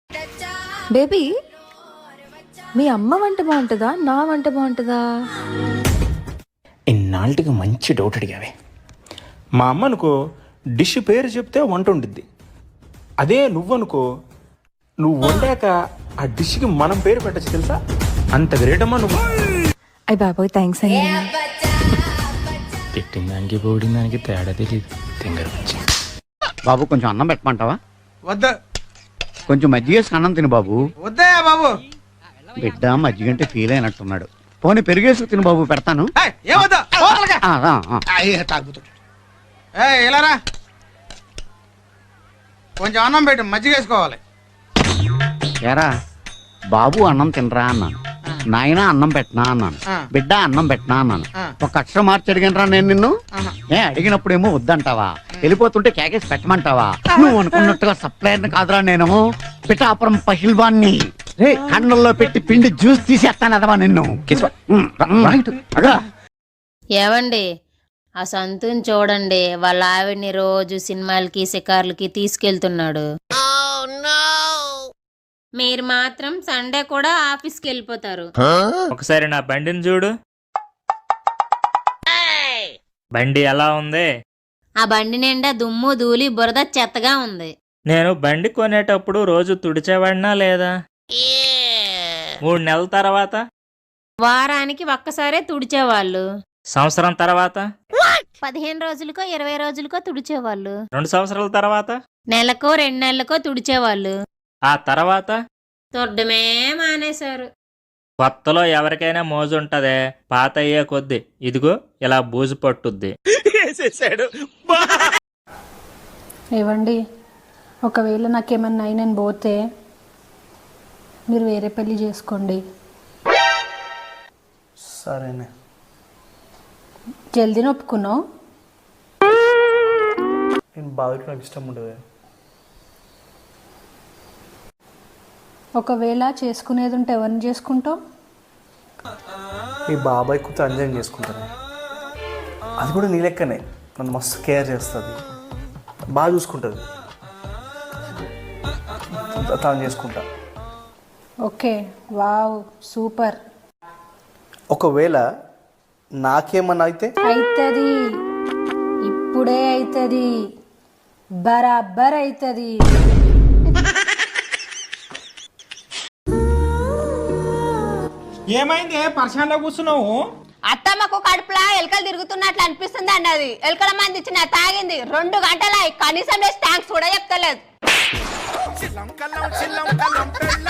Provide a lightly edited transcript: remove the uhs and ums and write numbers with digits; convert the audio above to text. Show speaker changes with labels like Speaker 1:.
Speaker 1: Baby, మీ అమ్మ వంట బాగుంటుందా, నా వంట బాగుంటుందా?
Speaker 2: ఇన్నాళ్ళకి మంచి డౌట్ అడిగావే. మా అమ్మ అనుకో డిష్ పేరు చెప్తే వంట ఉండిద్ది. అదే నువ్వనుకో నువ్వు వండాక ఆ డిష్కి మనం పేరు పెట్టచ్చు తెలుసా? అంత గ్రేట్ అమ్మా నువ్వు.
Speaker 1: అయ్య బాబోయ్, థ్యాంక్స్ అండి.
Speaker 2: పెట్టిన దానికి పోడిన దానికి తేడా తెలియదు. తింగర్ వచ్చి
Speaker 3: బాబు కొంచెం అన్నం పెట్టమంటావా?
Speaker 4: వద్దా.
Speaker 3: కొంచెం మజ్జిగ వేసుకు అన్నం తిను బాబు.
Speaker 4: వద్దయా బాబు.
Speaker 3: బిడ్డ మజ్జిగంటే ఫీల్ అయినట్టున్నాడు. పోనీ పెరిగేసుకు తిను బాబు, పెడతాను.
Speaker 4: ఏమొద్దా
Speaker 3: తాగుతాడు.
Speaker 4: ఇలారా కొంచెం అన్నం పెట్టు, మజ్జిగ వేసుకోవాలి.
Speaker 3: ఏరా బాబు అన్నం తినరా అన్నాను, నాయన అన్నం పెట్టనా అన్నాను, బిడ్డ అన్నం పెట్టనా అన్నాను. ఒక అక్షరం మార్చి అడిగినరా నేను నిన్ను? అడిగినప్పుడేమో వద్దంటావా, వెళ్ళిపోతుంటే కేకేసి పెట్టమంటావా? నువ్వు అనుకున్నట్టుగా సప్లైర్ కాదురా నేను, పిఠాపురం పహిల్వాన్ని. కండల్లో పెట్టి పిండి జ్యూస్ తీసేస్తాను అదవా నిన్ను.
Speaker 5: ఏవండి, ఆ సంతుని చూడండి, వాళ్ళ ఆవిడ్ని రోజు సినిమాలకి షికార్లకి తీసుకెళ్తున్నాడు. మీరు మాత్రం సండే కూడా ఆఫీస్కి వెళ్ళిపోతారు.
Speaker 6: ఒకసారి నా బండిని చూడు. బండి ఎలా ఉంది?
Speaker 5: ఆ బండి నిండా దుమ్ము ధూళి బురద చెత్తగా ఉంది.
Speaker 6: నేను బండి కొనేటప్పుడు రోజు తుడిచేవాడినా లేదా? 3 నెలల తర్వాత,
Speaker 5: వారానికి ఒక్కసారే తుడిచేవాళ్ళు.
Speaker 6: సంవత్సరం తర్వాత,
Speaker 5: 15 రోజులకో 20 రోజులకో తుడిచేవాళ్ళు.
Speaker 6: 2 సంవత్సరాల తర్వాత,
Speaker 5: నెలకో 2 నెలలకో తుడిచేవాళ్ళు.
Speaker 6: ఆ తర్వాత
Speaker 5: తొడ్డమే మానేశారు.
Speaker 6: కొత్తలో ఎవరికైనా మోజు ఉంటదే, పాత అయ్యే కొద్ది ఇదిగో ఇలా బూజు పట్టుద్ది.
Speaker 7: ఏవండి, ఒకవేళ నాకేమన్నా అయి నేను పోతే మీరు వేరే పెళ్లి చేసుకోండి.
Speaker 2: సరేనే.
Speaker 7: జల్దీ ఒప్పుకున్నావు?
Speaker 2: నేను బాగా నాకు ఇష్టం ఉండదు.
Speaker 7: ఒకవేళ చేసుకునేది ఉంటే ఎవరిని చేసుకుంటావు?
Speaker 8: మీ బాబాయ్ కూతురు అంజన్ చేసుకుంటాను. అది కూడా నీ లెక్కనే, నన్ను మస్తు కేర్ చేస్తుంది, బాగా చూసుకుంటుంది. తను చేసుకుంటా.
Speaker 7: Okay, wow, super.
Speaker 8: ఒకవేళ నాకేమన్నా అయితే
Speaker 7: అవుతుంది, ఇప్పుడే అవుతుంది, బరాబర్ అవుతుంది.
Speaker 4: ఏమైంది పర్షాన్లో కూర్చున్నావు?
Speaker 9: అత్తమ్మకు కడుపులా ఎలకలు తిరుగుతున్నట్లు అనిపిస్తుంది అండి. అది ఎలకల మంది ఇచ్చిన తాగింది 2 గంటల, కనీసం థ్యాంక్స్ కూడా చెప్తలేదు.